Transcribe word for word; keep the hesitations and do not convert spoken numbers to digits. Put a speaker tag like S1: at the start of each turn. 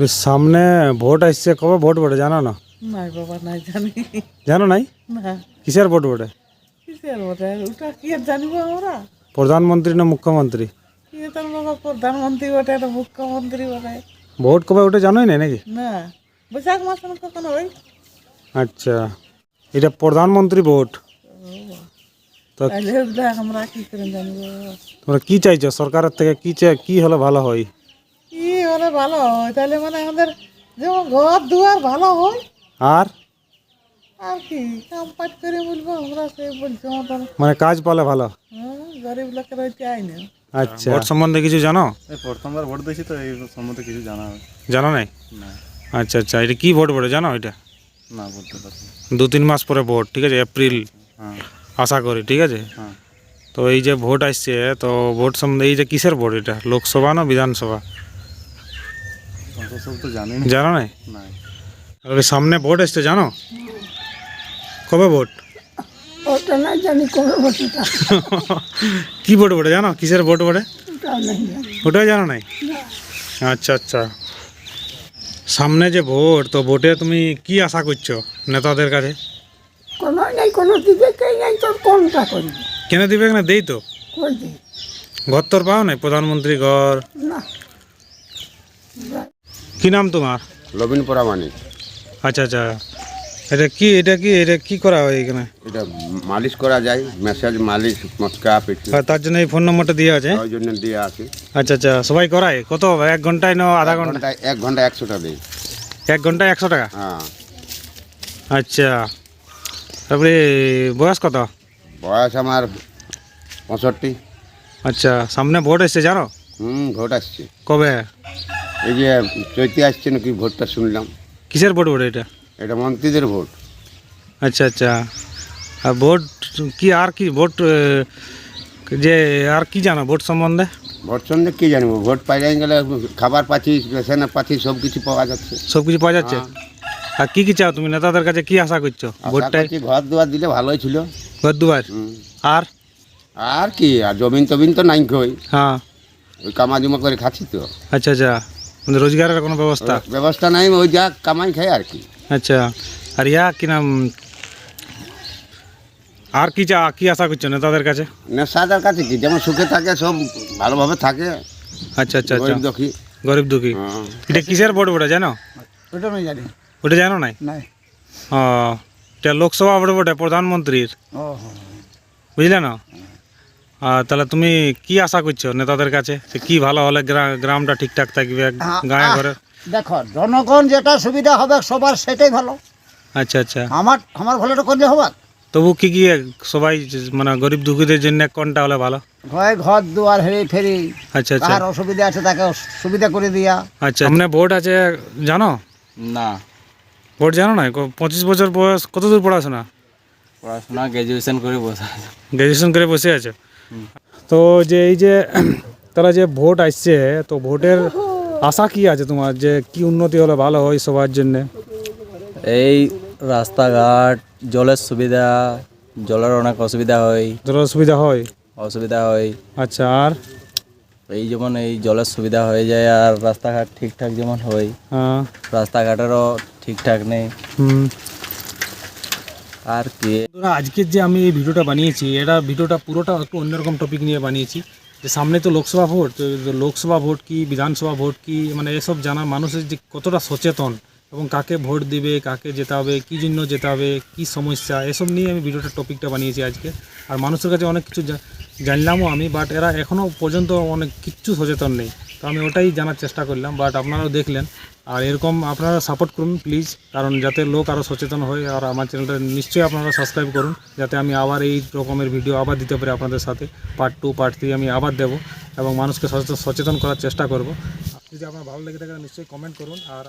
S1: সামনে ভোট আসছে, কবে ভোট বটে জানো না?
S2: নাই বাবা, নাই জানি
S1: জানো নাই?
S2: না।
S1: কিসের ভোট বটে?
S2: কিসের বটে ওটা কি আর জানিব আমরা?
S1: প্রধানমন্ত্রী না মুখ্যমন্ত্রী?
S2: কি তার বাবা, প্রধানমন্ত্রী বটে না মুখ্যমন্ত্রী বটে?
S1: ভোট কবে ওটা জানোই না নাকি?
S2: না, বৈশাখ মাস কখন ওই।
S1: আচ্ছা, এটা প্রধানমন্ত্রী ভোট। তো
S2: তাহলে ওটা আমরা কি করে জানিব?
S1: তোমরা কি চাইছো সরকারের থেকে? কি চাই, কি হলে ভালো হয়?
S2: কি হলে ভালো হয় তাহলে, মানে আমাদের যেমন ঘর দুয়ার ভালো হয়,
S1: আর
S2: আর কি কাম পাট করে বলবো আমরা, সে বলছে মতন।
S1: মানে কাজ পালে ভালো।
S2: হ্যাঁ, গরিব লোকের ওই চাই না।
S1: আচ্ছা, ভোট সম্বন্ধে কিছু জানো?
S3: এই প্রথমবার ভোট দিয়েছি তো এই সম্বন্ধে কিছু জানা
S1: জানো নাই?
S3: না।
S1: আচ্ছা আচ্ছা, এটা কি ভোট বটে জানো? এটা
S3: না বলতে পারছি না।
S1: দু তিন মাস পরে ভোট, ঠিক আছে? এপ্রিল
S3: হ্যাঁ
S1: আশা করি, ঠিক আছে?
S3: হ্যাঁ
S1: তো এই যে ভোট আসছে, তো ভোট সম্বন্ধে এই যে কিসের ভোট, এটা লোকসভা না বিধানসভা?
S3: অত সব তো জানি না।
S1: জানো নাই?
S3: না
S1: আর ওই সামনে ভোট আসছে, জানো কবে ভোট?
S2: ওটা না জানি কবে বসেটা,
S1: কি ভোট বটে জানো? কিসের ভোট বটে?
S2: ওটাও নাই জানি।
S1: ওটাই জানো নাই? আচ্ছা আচ্ছা, সামনে যে ভোট, তো ভোটে তুমি কি আশা করছো নেতাদের কাছে?
S2: কোনো নেই, কোনো দিকে কে নাই, তোর কোনটা করবি?
S1: কেন দিবে না? দেই তো,
S2: কই দিই
S1: ঘর তোর পাও নাই, প্রধানমন্ত্রী ঘর।
S2: না।
S1: কি নাম তোমার?
S4: লবিন পরামানিক।
S1: আচ্ছা আচ্ছা, এটা কি, এটা কি, এটা কি করা হয় এখানে?
S4: এটা মালিশ করা যায়, ম্যাসাজ, মালিশ, মচকা, পিঠে,
S1: আর তার জন্য এই ফোন নম্বরটা দিয়ে আছে।
S4: ওই জন্য দিয়ে আছে।
S1: আচ্ছা আচ্ছা, সবাই করায়? কত, এক ঘন্টায় না আধা ঘন্টা?
S4: ঘন্টায় এক ঘন্টা একশোটা দেয়।
S1: এক ঘন্টায় একশো টাকা?
S4: হ্যাঁ।
S1: আচ্ছা, তারপরে বয়স কত?
S4: বয়স আমার পঁয়ষট্টি।
S1: আচ্ছা, সামনে ভোট এসছে জানো?
S4: হুম, ভোট আসছে।
S1: কবে?
S4: এই যে চৈতে আসছে নাকি ভোটটা শুনলাম।
S1: কিসের ভোট বটে এটা?
S4: এটা মন্ত্রীদের ভোট।
S1: আচ্ছা আচ্ছা, আর ভোট কি, আর কি ভোট এ, যে আর কি জানো ভোট সম্বন্ধে?
S4: ভোট সম্বন্ধে কী জানবো, ভোট পাই গেলে খাবার পাচ্ছি, রেশনের পাচ্ছি, সব কিছু পাওয়া যাচ্ছে।
S1: সব কিছু পাওয়া যাচ্ছে?
S4: হ্যাঁ।
S1: আর কি কি চাও তুমি নেতাদের কাছে, কি আশা করছো
S4: আশা
S1: ভোটটায়?
S4: করছি ঘর দুয়ার দিলে ভালোই ছিল।
S1: ঘর দুয়ার,
S4: হুম।
S1: আর
S4: আর কি, আর জমিন টবিন তো নাই কই,
S1: হ্যাঁ।
S4: ওই কামাজুমা করে খাচ্ছি তো।
S1: আচ্ছা আচ্ছা, মানে রোজগারের কোনো ব্যবস্থা?
S4: ব্যবস্থা নাই, ওই যা কামাই খাই আর কি।
S1: আচ্ছা, আর ইয়া কি নাম, আর কি চা, কি আশা করছো নেতাদের কাছে?
S4: নেশাদার কাছে কি, যেমন সুখে থাকে সব ভালোভাবে থাকে।
S1: আচ্ছা আচ্ছা আচ্ছা,
S4: গরিব দুঃখী।
S1: গরিব দুঃখী।
S4: হ্যাঁ।
S1: এটা কিসের ভোট বটে জানো?
S2: ওটা আমি জানি
S1: ওটা জানো নাই?
S2: নাই।
S1: ও, এটা লোকসভা ভোট বটে, প্রধানমন্ত্রীর,
S2: ও
S1: বুঝলে না? আর তাহলে তুমি কি আশা করছো নেতাদের কাছে, যে কি ভালো হলে গ্রা- গ্রামটা ঠিকঠাক থাকবে, গায়ে ঘরে?
S5: দেখো, জনগণ যেটা সুবিধা হবে সবার সেটাই ভালো।
S1: আচ্ছা আচ্ছা,
S5: আমার আমার ভালোটা করলে হবে।
S1: তবু কি কি সবাই মানে গরিব দুঃখীদের জন্য কোনটা হলে ভালো?
S5: ঘরে ঘর দুয়ার হেরি ফেরি,
S1: আচ্ছা আচ্ছা
S5: কার অসুবিধা আছে তাকে সুবিধা করে দিয়া।
S1: আচ্ছা, সামনে ভোট আছে জানো?
S3: না,
S1: ভোট জানো না? ক- পঁচিশ বছর বয়স, কত দূর পড়াশোনা?
S3: পড়াশোনা গ্র্যাজুয়েশন করে বসে আছে।
S1: গ্র্যাজুয়েশন করে বসে আছে। তো যে এই যে তারা যে ভোট আসছে, তো ভোটের আশা কি আছে তোমার, যে কি উন্নতি হলে ভালো হয় সবার জন্য?
S6: এই রাস্তাঘাট, জলের সুবিধা, জলের অনেক অসুবিধা হয়,
S1: তোর অসুবিধা হয়?
S6: অসুবিধা হয়।
S1: আচ্ছা, আর
S6: এই যেমন এই জলের সুবিধা হয়ে যায়, আর রাস্তাঘাট ঠিকঠাক যেমন হয়,
S1: হ্যাঁ,
S6: রাস্তাঘাটেরও ঠিকঠাক নেই।
S1: হুম।
S6: আর কি,
S1: বন্ধুরা, আজকের যে আমি এই ভিডিওটা বানিয়েছি, এটা ভিডিওটা পুরোটা একটু অন্যরকম টপিক নিয়ে বানিয়েছি। যে সামনে তো লোকসভা ভোট, তো লোকসভা ভোট কি, বিধানসভা ভোট কি, মানে এসব জানা মানুষের যে কতটা সচেতন, এবং কাকে ভোট দিবে, কাকে যেতে হবে, কী জন্য যেতে হবে, কী সমস্যা, এসব নিয়ে আমি ভিডিওটা টপিকটা বানিয়েছি আজকে। আর মানুষের কাছে অনেক কিছু জা- জানলামও আমি, বাট এরা এখনও পর্যন্ত অনেক কিচ্ছু সচেতন নেই। তো আমি ওটাই জানার চেষ্টা করলাম, বাট আপনারাও দেখলেন। আর এরকম আপনারা সাপোর্ট করুন প্লিজ, কারণ যাতে লোক আরও সচেতন হয়। আর আমার চ্যানেলটা নিশ্চয়ই আপনারা সাবস্ক্রাইব করুন, যাতে আমি আবার এই রকমের ভিডিও আবার দিতে পারি আপনাদের সাথে। পার্ট টু, পার্ট থ্রি আমি আবার দেবো, এবং মানুষকে সচেতন সচেতন করার চেষ্টা করব। যদি আপনার ভালো লেগে থাকে নিশ্চয়ই কমেন্ট করুন। আর